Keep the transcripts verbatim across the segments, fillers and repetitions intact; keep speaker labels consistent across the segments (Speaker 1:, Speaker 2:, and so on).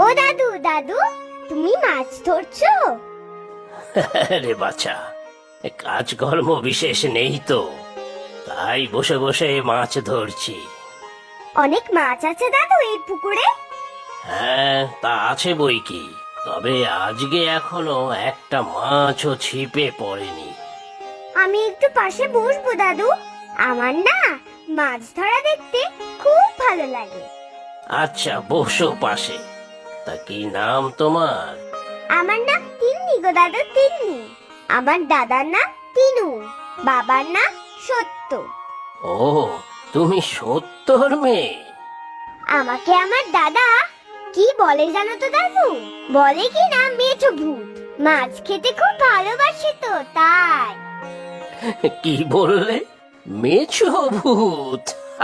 Speaker 1: দাদু দাদু, তুমি মাছ ধরছো?
Speaker 2: রে বাছা, কাজকর্ম বিশেষ নেই তো, তাই বসে বসে মাছ ধরছি।
Speaker 1: অনেক মাছ আছে দাদু এই পুকুরে?
Speaker 2: হ্যাঁ, তা আছে বই কি, তবে আজকে এখনো একটা মাছও ছিপে পড়েনি।
Speaker 1: আমি একটু পাশে বসবো দাদু, আমার না মাছ ধরা দেখতে খুব ভালো লাগে।
Speaker 2: আচ্ছা, বসো পাশে। তা কি নাম তোমার?
Speaker 1: আমার নাম তিন্নি গো দাদু, তিন্নি। আমার দাদার নাম তিনু, বাবার নাম সত্য।
Speaker 2: ও, তুমি সত্তর মেয়ে?
Speaker 1: আমাকে আমার দাদা কি বলে জানো তো দাদু? বলে কি না মেছো ভূত, মাছ খেতে খুব ভালোবাসে তো তাই।
Speaker 2: কি বললে? মেছো ভূত?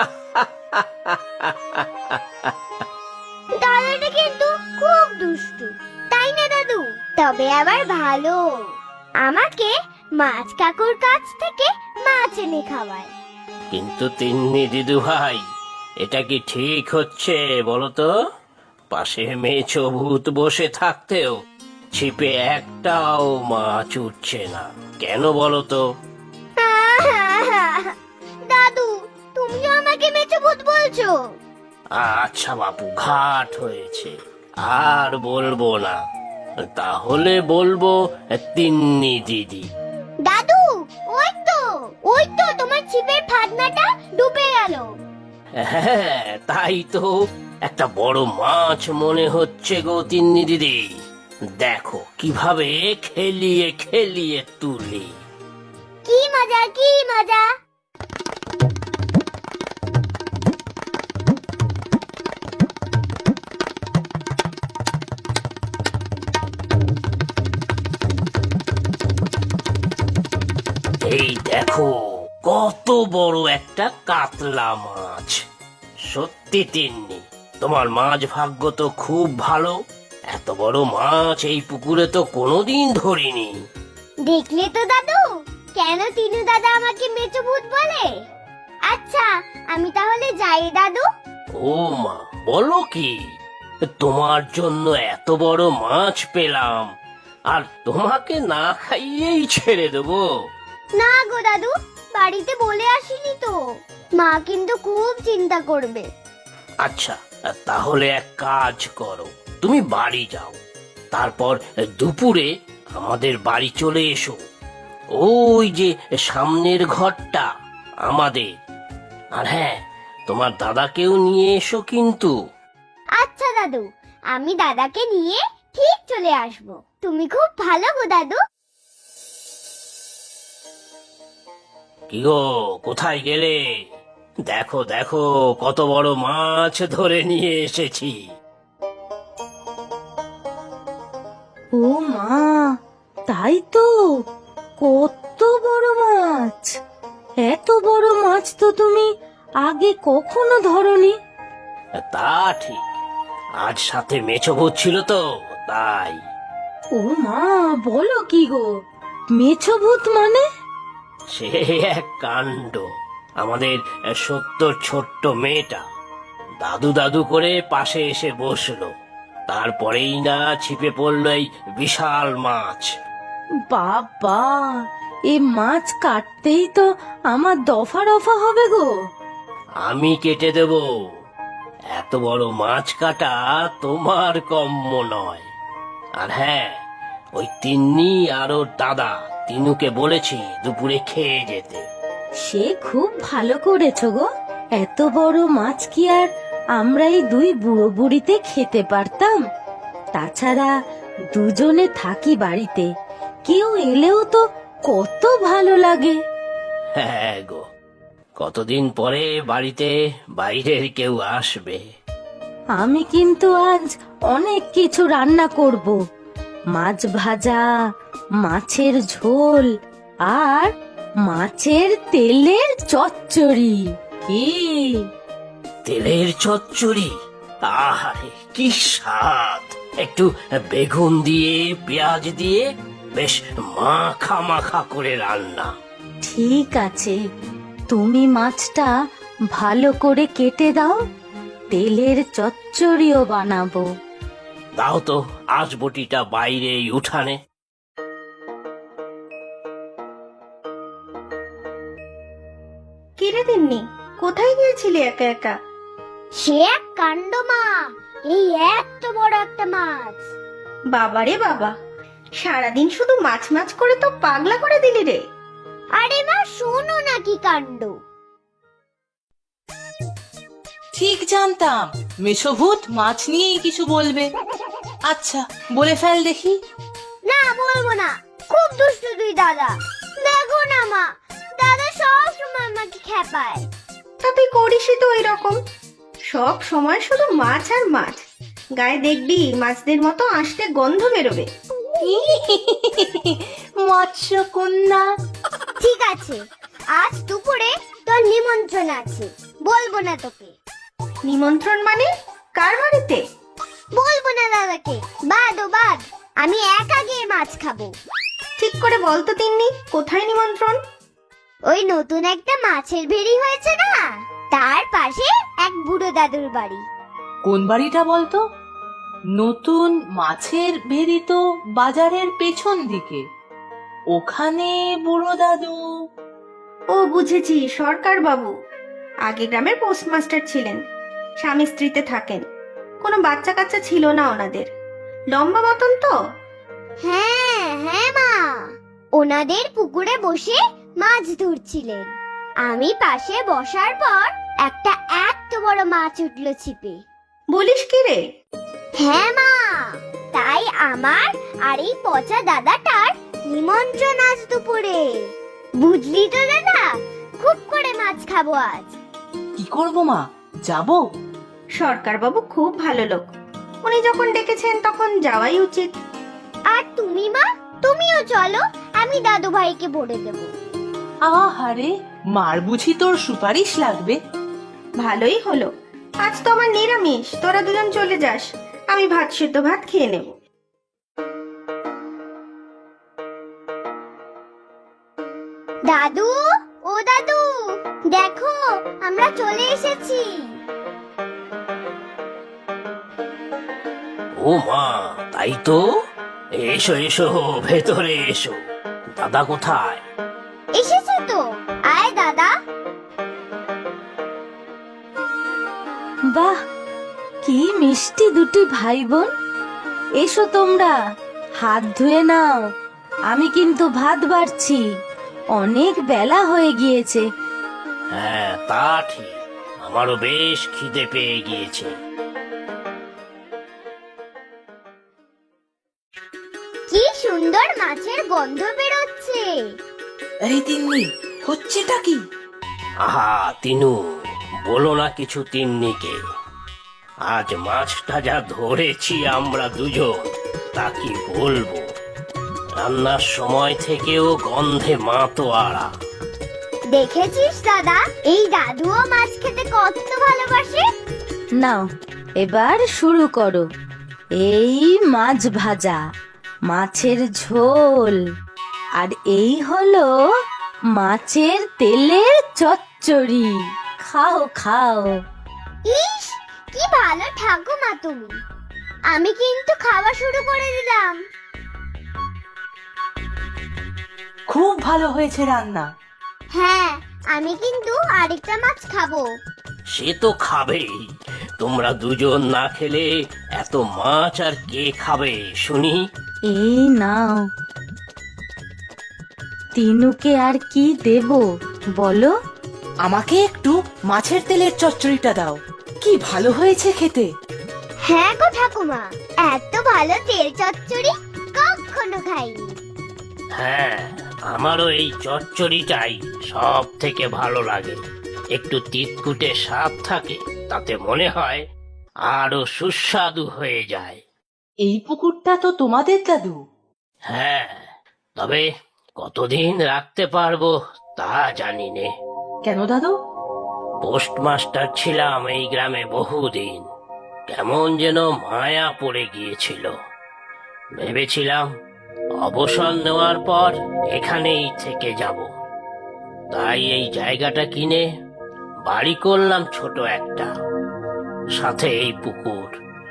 Speaker 1: দাদাটা কিন্তু খুব দুষ্টু, তাই না দাদু? তবে আবার ভালো, আমাকে মাছ কাকুর কাছ থেকে মাছ এনে খাওয়ায়।
Speaker 2: কিন্তু তিন্নি দিদু ভাই, এটা কি ঠিক হচ্ছে বলো তো? পাশে মেছো ভূত বসে থাকতেও ছিপে একটাও মাছ উঠছে না, কেন বলো তো?
Speaker 1: দাদু, তুমিও আমাকে মেছো ভূত বলছো?
Speaker 2: আচ্ছা বাপু, ঘাট হয়েছে, আর বলবো না। তাহলে বলবো তিন্নি দিদি।
Speaker 1: দাদু, ওই তো ওই তো তোমার ছিপের ফাতনাটা ডুবে গেল।
Speaker 2: হ্যাঁ, তাই তো, একটা বড় মাছ মনে হচ্ছে গো তিন্নি দিদি। দেখো কিভাবে খেলিয়ে খেলিয়ে তুলি।
Speaker 1: কি মজা, কি মজা!
Speaker 2: এই দেখো, কত বড় একটা কাতলা মাছ। সত্যি তিন্নি, তোমার মাছ ভাগ্য তো খুব ভালো। এত বড় মাছ এই পুকুরে তো কোনোদিন ধরিনি।
Speaker 1: দেখলে তো দাদু, কেন তিনু দাদা আমাকে মেছো ভূত বলে? আচ্ছা, আমি তাহলে যাই দাদু।
Speaker 2: ও মা, বলো কি? তোমার জন্য এত বড় মাছ পেলাম, আর তোমাকে না খাইয়েই ছেড়ে দেবো?
Speaker 1: না গো দাদু, বাড়িতে বলে আসিনি তো, মা কিন্তু খুব চিন্তা করবে।
Speaker 2: আচ্ছা, তাহলে এক কাজ করো, তুমি বাড়ি যাও, তারপর দুপুরে আমাদের বাড়ি চলে এসো। ওই যে সামনের ঘরটা আমাদের। আর হ্যাঁ, তোমার দাদাকেও নিয়ে এসো কিন্তু।
Speaker 1: আচ্ছা দাদু, আমি দাদাকে নিয়ে ঠিক চলে আসব। তুমি খুব ভালো গো দাদু।
Speaker 2: কি গো, কোথায় গেলে? দেখো দেখো, কত বড় মাছ ধরে নিয়ে এসেছি।
Speaker 3: ও মা, তাই তো, কত বড় মাছ! এত বড় মাছ তো তুমি আগে কখনো ধরনি।
Speaker 2: তা ঠিক, আজ সাথে মেছো ভূত ছিল তো তাই।
Speaker 3: ও মা, বলো কি গো, মেছো ভূত মানে?
Speaker 2: সে এক কাণ্ড। আমাদের সত্তর ছোট্ট মেয়েটা দাদু দাদু করে পাশে এসে বসলো, তারপরেই না ছিপে পড়লো এই বিশাল মাছ।
Speaker 3: বাবা, এ মাছ কাটতেই তো আমার দফা রফা হবে গো।
Speaker 2: আমি কেটে দেব। এত বড় মাছ কাটা তোমার কম্য নয়। আর হ্যাঁ, ওই তিন্নি আর ওর দাদা তিনুকে বলেছি দুপুরে খেয়ে যেতে।
Speaker 3: সে খুব ভালো করেছো গো। এত বড় মাছ কি আর আমরা এই দুই বুড়ো বুড়িতে খেতে পারতাম? তাছাড়া দুজনে থাকি বাড়িতে, কেউ এলেও তো কত ভালো লাগে।
Speaker 2: হ্যাঁ গো, কতদিন পরে বাড়িতে বাইরের কেউ আসবে।
Speaker 3: আমি কিন্তু আজ অনেক কিছু রান্না করব। মাছ ভাজা, মাছের ঝোল আর মাছের তেলের চচ্চড়ি। কি
Speaker 2: তেলের চচ্চড়ি? আহারে কি স্বাদ! একটু বেগুন দিয়ে পেঁয়াজ দিয়ে বেশ মাখা মাখা করে রান্না।
Speaker 3: ঠিক আছে, তুমি মাছটা ভালো করে কেটে দাও, তেলের চচ্চড়িও বানাবো।
Speaker 2: দাও তো আঁশবটিটা বাইরে এই উঠানে।
Speaker 4: কিরে তিন্নি, কোথায় গিয়েছিলি একা একা?
Speaker 1: সে এক কাণ্ড মা, এই এত বড় একটা মাছ।
Speaker 4: বাবারে বাবা, সারাদিন শুধু মাছ মাছ করে তো পাগলা করে দিলি রে।
Speaker 1: আরে মা শোনো না কি কাণ্ড।
Speaker 5: ঠিক জানতাম মেশভূত মাছ নিয়েই কিছু বলবে। আচ্ছা বলে ফেল দেখি।
Speaker 1: না বলবো না, খুব দুষ্টু তুই দাদা। দেখো না মা, দাদা সব সময় আমাকে খেপায়।
Speaker 4: তা তুই করিসই তো ওই রকম, সব সময় শুধু মাছ আর মাছ। গায়ে দেখবি মাছদের মতো আসতে গন্ধ বেরোবে।
Speaker 5: মৎস্য কন্যা।
Speaker 1: ঠিক আছে, আজ দুপুরে তোর নিমন্ত্রণ আছে, বলবো না তোকে।
Speaker 4: নিমন্ত্রণ মানে? কার বাড়িতে?
Speaker 1: বলবো না দাদাকে, বাদ ও বাদ। আমি একা গিয়ে মাছ খাবো।
Speaker 4: ঠিক করে বল তো তিন্নি, কোথায় নিমন্ত্রণ?
Speaker 1: ওই নতুন একটা মাছের ভেড়ি হয়েছে না, তার পাশে এক বুড়ো দাদুর বাড়ি।
Speaker 5: কোন বাড়িটা বলতো? নতুন মাছের ভেরি তো বাজারের পেছন দিকে, ওখানে বুড়ো দাদু।
Speaker 4: ও বুঝেছি, সরকার বাবু। আগে গ্রামের পোস্টমাস্টার ছিলেন, স্বামী স্ত্রীতে থাকেন। কোনো বাচ্চা কাচ্চা ছিল না ওনাদের। লম্বা মতন তো?
Speaker 1: হ্যাঁ হ্যাঁ মা, ওনাদের পুকুরে বসে মাছ ধরছিলেন। আমি পাশে বসার পর একটা এত বড় মাছ উঠলো ছিপে।
Speaker 4: বলিস কি রে?
Speaker 1: হ্যাঁ মা, তাই আমার আর এই পচা দাদাটার নিমন্ত্রণ আজ দুপুরে। বুঝলি তো দাদা, খুব করে মাছ খাবো আজ।
Speaker 5: কি করব মা, যাব?
Speaker 4: সরকার বাবু খুব ভালো লোক, উনি যখন ডেকেছেন তখন যাওয়াই উচিত।
Speaker 1: আর তুমি মা, তুমিও চলো, আমি দাদু ভাইকে বলে দেবো।
Speaker 5: আহারে, মার বুঝি তোর সুপারিশ লাগবে?
Speaker 4: ভালোই হলো, আজ তো আমার নিরামিষ। তোরা দুজন চলে যাস, আমি ভাত সেদ্ধ ভাত খেয়ে নেব।
Speaker 1: দাদু, ও দাদু, দেখো আমরা চলে এসেছি।
Speaker 2: ও মা, তাই তো। এসো এসো, ভেতরে এসো। দাদা কোথায়?
Speaker 1: এসেছে তো, আয় দাদা।
Speaker 3: বাহ, কি মিষ্টি দুটি ভাই বোন। এসো তোমরা, হাত ধুয়ে নাও। আমি কিন্তু ভাত বাড়ছি, অনেক বেলা হয়ে গিয়েছে।
Speaker 2: হ্যাঁ তা ঠিক, আমারও বেশ খিদে পেয়ে গিয়েছে।
Speaker 1: কি সুন্দর মাছের গন্ধ বেরোচ্ছে।
Speaker 5: এই তিন্নি, হচ্ছেটা কি?
Speaker 2: আহা তিনু, বলো না কিছু তিন্নিকে। আজ মাছটা যা ধরেছি আমরা দুজন, তা কি বলবো। রান্নার সময় থেকেও গন্ধে মাতোয়ারা।
Speaker 1: দেখেছিস দাদা, এই দাদুও মাছ খেতে কত ভালোবাসে।
Speaker 3: নাও এবার শুরু করো। এই মাছ ভাজা, মাছের ঝোল, আর এই হলো মাছের তেলের চচ্চড়ি। খাও খাও।
Speaker 1: ইস, কি ভালো ঠাকুমা তুমি। আমি কিন্তু খাওয়া শুরু করে দিলাম।
Speaker 5: খুব ভালো হয়েছে রান্না।
Speaker 1: হ্যাঁ, আমি কিন্তু আরেকটা মাছ খাবো।
Speaker 2: সে তো খাবেই, তোমরা দুজন না খেলে এত মাছ আর কে খাবে শুনি।
Speaker 3: এই নাও। তিনুকে আর কি দেব বলো?
Speaker 5: আমাকে একটু মাছের তেলের চচ্চড়িটা দাও, কি ভালো হয়েছে খেতে।
Speaker 1: হ্যাঁ গো ঠাকুমা, এত ভালো তেল চচ্চড়ি কখনো খাইনি।
Speaker 2: হ্যাঁ, আমারও এই চচ্চড়িটাই সব থেকে ভালো লাগে। একটু তিতকুটে স্বাদ থাকে, তাতে মনে হয় আরো সুস্বাদু হয়ে যায়।
Speaker 5: এই পুকুরটা তো তোমাদের দাদু?
Speaker 2: হ্যাঁ, তবে কতদিন রাখতে পারবো তা জানি নে।
Speaker 5: কেন দাদু?
Speaker 2: পোস্টমাস্টার ছিলাম এই গ্রামে বহুদিন, কেমন যেন মায়া পড়ে গিয়েছিল। ভেবেছিলাম অবসর নেওয়ার পর এখানেই থেকে যাব। তাই এই জায়গাটা কিনে বাড়ি করলাম ছোট একটা, সাথে এই পুকুর।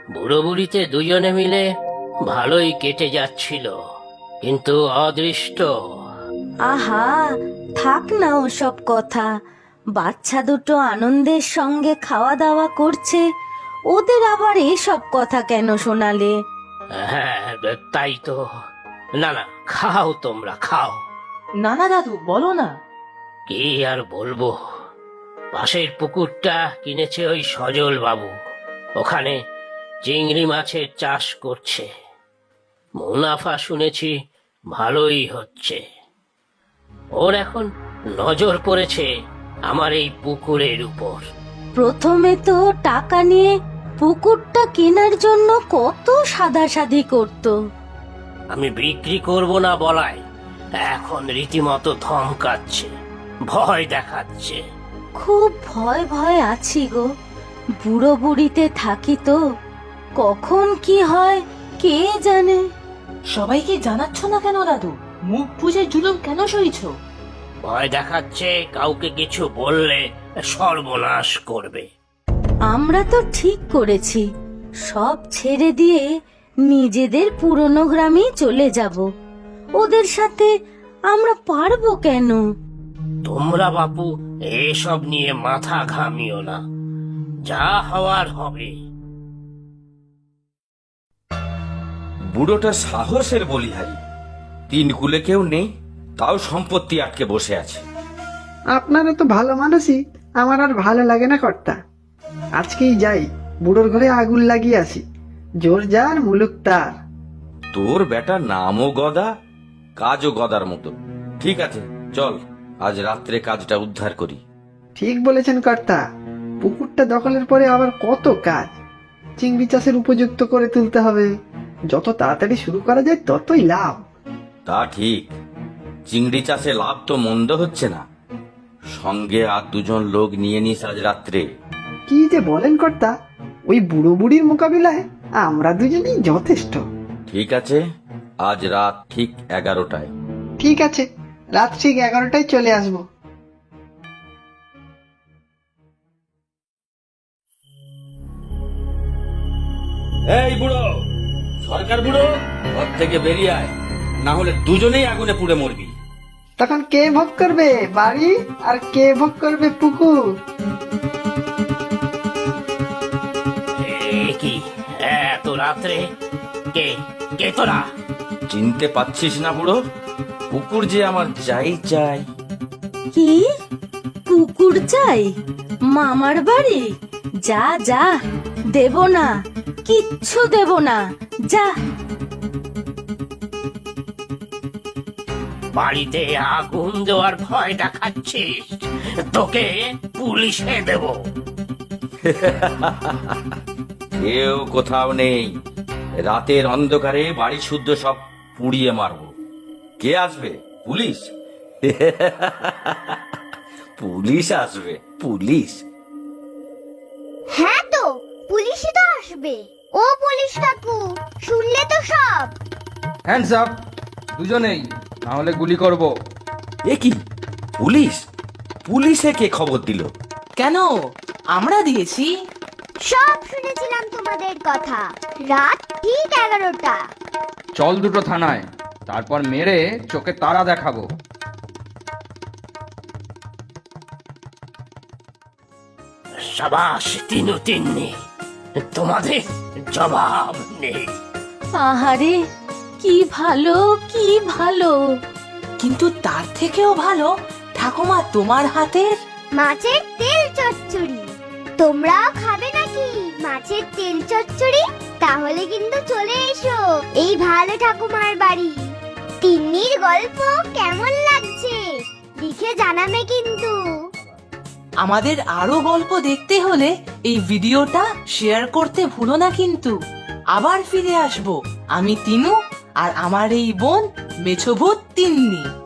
Speaker 2: বুড়ো বুড়িতে দুজনে মিলে ভালোই কেটে যাচ্ছিল, কিন্তু অদৃষ্ট।
Speaker 3: আহা, থাক না ওসব কথা। বাচ্চা দুটো আনন্দের সঙ্গে খাওয়া দাওয়া করছে, ওদের আবার এসব কথা কেন শোনালে?
Speaker 2: হ্যাঁ, তাই তো। না না, খাও, তোমরা খাও।
Speaker 5: না না দাদু, বলো না।
Speaker 2: কি আর বলবো, পাশের পুকুরটা কিনেছে ওই সজল বাবু। ওখানে চিংড়ি মাছের চাষ করছে। মুনাফা শুনেছি ভালোই হচ্ছে। ওর এখন নজর পড়েছে আমার এই পুকুরের উপর।
Speaker 3: প্রথমে তো টাকা নিয়ে পুকুরটা কেনার জন্য কত সাদাসাদি করতো।
Speaker 2: আমি বিক্রি করব না বলায় এখন রীতিমতো ধমকাচ্ছে, ভয় দেখাচ্ছে।
Speaker 3: খুব ভয় ভয় আছি গো। বুড়ো বুড়িতে থাকি তো, কখন কি হয় কে জানে।
Speaker 5: সবাইকে জানাচ্ছ না কেন দাদু? মুখ বুঝে জুলুম কেন সইছ?
Speaker 2: ভয় দেখাচ্ছে কাউকে কিছু বললে সর্বনাশ করবে।
Speaker 3: আমরা তো ঠিক করেছি, সব ছেড়ে দিয়ে নিজেদের পুরনো গ্রামেই চলে যাব। ওদের সাথে আমরা পারবো কেন?
Speaker 2: তোমরা বাপু এসব নিয়ে মাথা ঘামিও না, যা হওয়ার হবে।
Speaker 6: বুড়োটা সাহসের বলিহারি। তিন কুলে কেউ নেই, তাও সম্পত্তি আটকে বসে আছে।
Speaker 7: আপনারা তো ভালো মানুষই, আমার আর ভালো লাগে না কর্তা। আজকেই যাই, বুড়োর ঘরে আগুন লাগিয়ে আসি। জোর যার মুলুক তার।
Speaker 6: তোর বেটার নামও গদা, কাজও গদার মতো। ঠিক আছে, চল আজ রাত্রে কাজটা উদ্ধার করি।
Speaker 7: ঠিক বলেছেন কর্তা, পুকুরটা দখলের পরে আবার কত কাজ। চিংড়ি চাষের উপযুক্ত করে তুলতে হবে। যত তাড়াতাড়ি শুরু করা যায় ততই লাভ।
Speaker 6: তা ঠিক, চিংড়ি চাষে লাভ তো মন্দ হচ্ছে না। সঙ্গে আর দুজন লোক নিয়ে নিস আজ রাত্রে।
Speaker 7: কি যে বলেন কর্তা, ওই বুড়ো বুড়ির মোকাবিলায় আমরা দুজনেই যথেষ্ট।
Speaker 6: ঠিক আছে, আজ রাত ঠিক এগারোটায়।
Speaker 7: ঠিক আছে, রাত ঠিক এগারোটায় চলে আসবো।
Speaker 6: এই বুড়ো, সরকার বুড়ো, ঘর থেকে বেরিয়ে আয়, না হলে দুজনেই আগুনে পুড়ে মরবি।
Speaker 7: তখন কে ভোগ করবে বাড়ি আর কে ভোগ করবে পুকুর?
Speaker 2: এ কি এত রাত্রে? কে কে তোরা?
Speaker 6: চিনতে পাচ্ছিস না বুড়ো? পুকুর যে আমার চাই চাই।
Speaker 3: কি পুকুর চাই? মামার বাড়ি? যা যা, দেব না, কিচ্ছু দেব না, যা।
Speaker 2: বাড়িতে আগুন দেওয়ার ভয় দেখাচ্ছিস? তোকে পুলিশে দেব।
Speaker 6: কেউ কোথাও নেই, রাতের অন্ধকারে বাড়ি শুদ্ধ সব পুড়িয়ে মারবো। কে আসবে? পুলিশ? পুলিশ আসবে, পুলিশ।
Speaker 1: হ্যাঁ তো, পুলিশই তো আসবে। ও পুলিশ কাকু, শুনলে তো সব?
Speaker 8: হ্যান্ডস আপ দুজনেই, না হলে গুলি করব।
Speaker 6: এ কি পুলিশ? পুলিশে কে খবর দিল?
Speaker 5: কেন, আমরা দিয়েছি।
Speaker 1: সব শুনেছিলাম তোমাদের কথা। রাত ঠিক এগারোটা।
Speaker 8: চল দুটো থানায়, তারপর মেরে চোখে তারা দেখাবো।
Speaker 2: সাবাস তিনু তিন্নি, তোমাদের জবাব নেই।
Speaker 3: আহারে, কি ভালো, কি ভালো।
Speaker 5: কিন্তু তার থেকেও ভালো ঠাকুমা তোমার হাতের
Speaker 1: মাছের তেল চচ্চড়ি। তোমরাও খাবে নাকি মাছের তেল চচ্চড়ি? তাহলে কিন্তু চলে এসো এই ভালো ঠাকুমার বাড়ি। তিন্নির গল্প কেমন লাগছে লিখে জানাবে কিন্তু।
Speaker 5: আমাদের আরো গল্প দেখতে হলে এই ভিডিওটা শেয়ার করতে ভুলো না কিন্তু। আবার ফিরে আসবো আমি তিনু আর আমার এই বোন মেছোভূত তিন্নি।